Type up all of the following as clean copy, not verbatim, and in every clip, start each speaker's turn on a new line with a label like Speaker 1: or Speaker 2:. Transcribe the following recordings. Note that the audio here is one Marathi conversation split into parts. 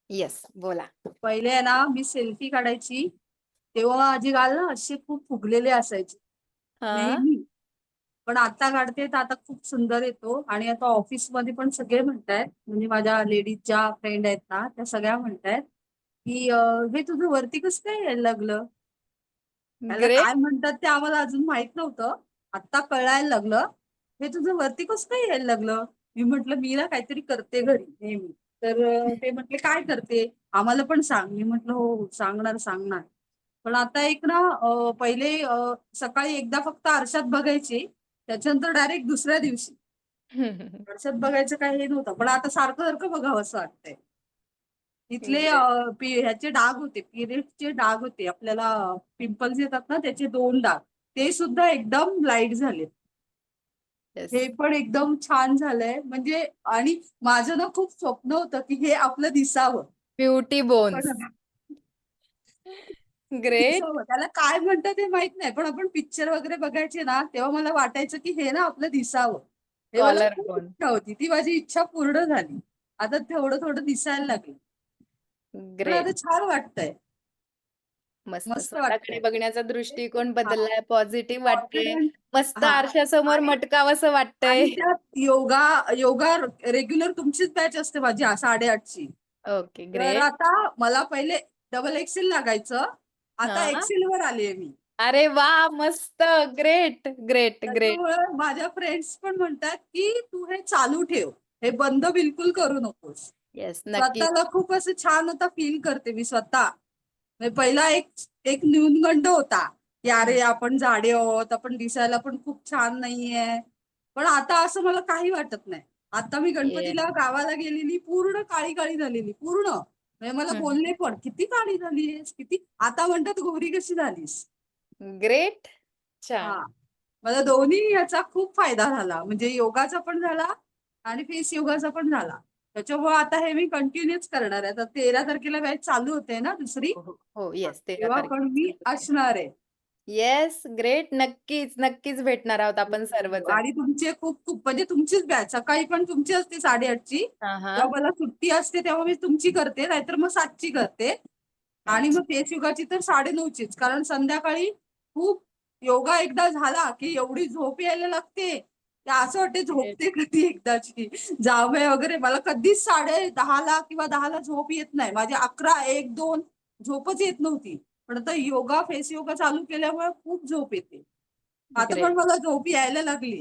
Speaker 1: येस, बोला.
Speaker 2: पहिले आहे ना, मी सेल्फी काढायची, तेव्हा माझे गाल ना असे खूप फुगलेले असायचे,
Speaker 1: हां.
Speaker 2: नेहमी. पण आता काढते तर आता खूप सुंदर येतो आणि आता ऑफिसमध्ये पण सगळे म्हणतायत, म्हणजे माझ्या लेडीज ज्या फ्रेंड आहेत ना, त्या सगळ्या म्हणतायत, की "हे तुझं वरती कसं काय यायला लागलं?" त्याला
Speaker 1: ग्रेट.
Speaker 2: काय म्हणतात ते आम्हाला अजून माहित नव्हतं. आत्ता कळायला लागलं. "हे तुझं वरती कसं काय यायला लागलं?" मी म्हटलं, "मी ना काहीतरी करते घरी नेहमी." तर ते म्हटले, "काय करते? आम्हाला पण सांग." मी म्हटलं, "हो, हो, सांगणार, सांगणार." पण आता एक ना पहिले सकाळी एकदा फक्त आरशात बघायचे, त्याच्यानंतर डायरेक्ट दुसऱ्या दिवशी. आरशात बघायचं काही हे नव्हतं. पण आता सारखं-सारखं बघावंसं वाटतंय. तिथले
Speaker 1: ग्रेट.
Speaker 2: ह्याचे डाग होते, पिरियड्सचे डाग होते. आपल्याला पिंपल्स येतात ना, त्याचे 2 डाग. ते सुद्धा एकदम लाईट झालेत.
Speaker 1: येस.
Speaker 2: हे पण एकदम छान झालंय. म्हणजे आणि माझं ना खूप स्वप्न होतं, की हे आपलं दिसावं.
Speaker 1: Beauty bones.
Speaker 2: पण
Speaker 1: ग्रेट.
Speaker 2: दिसावं. त्याला काय म्हणतात हे माहीत नाही. पण आपण पिक्चर वगैरे बघायचे ना, तेव्हा मला वाटायचं, की हे ना आपलं दिसावं. हे मला
Speaker 1: कॉलर
Speaker 2: खूप
Speaker 1: बोन.
Speaker 2: इच्छा होती. ती माझी इच्छा पूर्ण झाली. आता थोडं-थोडं दिसायला लागलं. पण
Speaker 1: ग्रेट.
Speaker 2: आता छान वाटतंय.
Speaker 1: मस्त.
Speaker 2: मस्त
Speaker 1: स्वतःकडे
Speaker 2: वाटतंय.
Speaker 1: बघण्याचा दृष्टिकोन
Speaker 2: हां.
Speaker 1: बदललाय, पॉझिटिव्ह वाटतंय.
Speaker 2: कॉन्फिडन्स
Speaker 1: मस्त
Speaker 2: हां.
Speaker 1: आरशासमोर
Speaker 2: आणि
Speaker 1: मटकावसं वाटतंय.
Speaker 2: आणि त्यात योगा योगा रेग्युलर तुमचीच बॅच असते माझी 8:30 ची.
Speaker 1: ओके,
Speaker 2: तर
Speaker 1: ग्रेट.
Speaker 2: आता मला पहिले डबल एक्सेल लागायचं. आता
Speaker 1: हां.
Speaker 2: एक्सेलवर आलीये मी.
Speaker 1: अरे वाह! मस्त. Great, great, great.
Speaker 2: त्याच्यामुळे माझ्या फ्रेंड्स पण म्हणतात, की "तू हे चालू ठेव. हे बंद बिलकुल करू नकोस."
Speaker 1: येस, नक्कीच.
Speaker 2: स्वतःला खूप असं छान आता फील करते मी स्वतः. म्हणजे पहिला एक एक न्यूनगंड होता, की
Speaker 1: हं.
Speaker 2: "अरे, आपण जाडे आहोत, आपण दिसायला पण खूप छान नाहीये." पण आता असं मला काही वाटत नाही. आता मी
Speaker 1: येस.
Speaker 2: गणपतीला गावाला गेलेली पूर्ण काळी-काळी झालेली, पूर्ण. म्हणजे मला
Speaker 1: हं.
Speaker 2: बोलले पण, "किती काळी झालीयेस? किती?" आता म्हणतात, "गोरी कशी झालीस?"
Speaker 1: ग्रेट. छान.
Speaker 2: हां. मला दोन्ही याचा खूप फायदा झाला. म्हणजे योगाचा पण झाला आणि फेस योगाचा पण झाला. त्याच्यामुळे आता हे मी कंटिन्यूच करणार आहे. आता 13 तारखेला बॅच चालू होते ना दुसरी,
Speaker 1: हो, हो. हो, येस 13
Speaker 2: तेव्हा पण मी
Speaker 1: तारखेपासून होते.
Speaker 2: असणार आहे.
Speaker 1: Yes, great. नक्कीच, नक्कीच भेटणार आहोत आपण सर्वजण.
Speaker 2: आणि तुमचे खूप-खूप म्हणजे तुमचीच बॅच सकाळी पण तुमची असते 8:30 ची.
Speaker 1: हां,
Speaker 2: जेव्हा
Speaker 1: हां.
Speaker 2: मला सुट्टी असते तेव्हा मी तुमची करते, नाहीतर मग 7 ची करते. आणि
Speaker 1: अच्छा.
Speaker 2: मग फेस योगाची तर 9:30 चीच. कारण संध्याकाळी खूप योगा एकदा झाला, की एवढी झोप यायला लागते. ते असं वाटते
Speaker 1: ग्रेट.
Speaker 2: झोपते कधी एकदाची. जावया वगैरे मला कधीच 10:30 ला किंवा 10 ला झोप येत नाही. माझी 11, 1, 2 झोपच येत नव्हती. पण आता योगा, फेस योगा चालू केल्यामुळे खूप झोप येते. आता पण
Speaker 1: ग्रेट.
Speaker 2: मला झोप यायला लागली.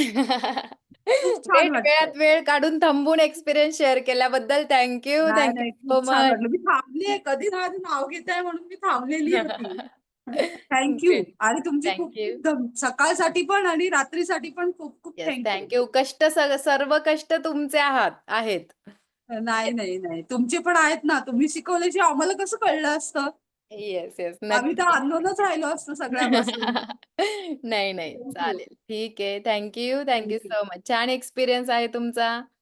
Speaker 2: खूप छान
Speaker 1: ग्रेट.
Speaker 2: वाटतंय.
Speaker 1: वेळात वेळ काढून थांबून एक्सपिरियन्स शेअर केल्याबद्दल थँक यू.
Speaker 2: नाही,
Speaker 1: थँक यू
Speaker 2: नाही. खूप
Speaker 1: सो
Speaker 2: छान
Speaker 1: मच.
Speaker 2: वाटलं. मी थांबलीये. कधी माझं नाव घेताय म्हणून मी थांबलेली होती. Thank you.
Speaker 1: ग्रेट.
Speaker 2: आणि तुमचे
Speaker 1: थँक
Speaker 2: खूप
Speaker 1: यू.
Speaker 2: खूप सकाळसाठी पण आणि रात्रीसाठी पण खूप खूप
Speaker 1: yes,
Speaker 2: thank you.
Speaker 1: Thank you. कष्ट सर्व कष्ट तुमचे आहेत.
Speaker 2: नाही, नाही, नाही. तुमचे पण आहेत ना. तुम्ही शिकवल्याशिवाय आम्हाला कसं कळलं असतं?
Speaker 1: Yes, yes.
Speaker 2: आम्ही तर
Speaker 1: नक्की.
Speaker 2: अननोनच राहिलो असतो सगळ्यापासून.
Speaker 1: नाही, नाही.
Speaker 2: Thank you.
Speaker 1: चालेल. ठीक आहे. Thank you. Thank you
Speaker 2: thank you.
Speaker 1: So much. छान एक्सपिरियन्स आहे तुमचा.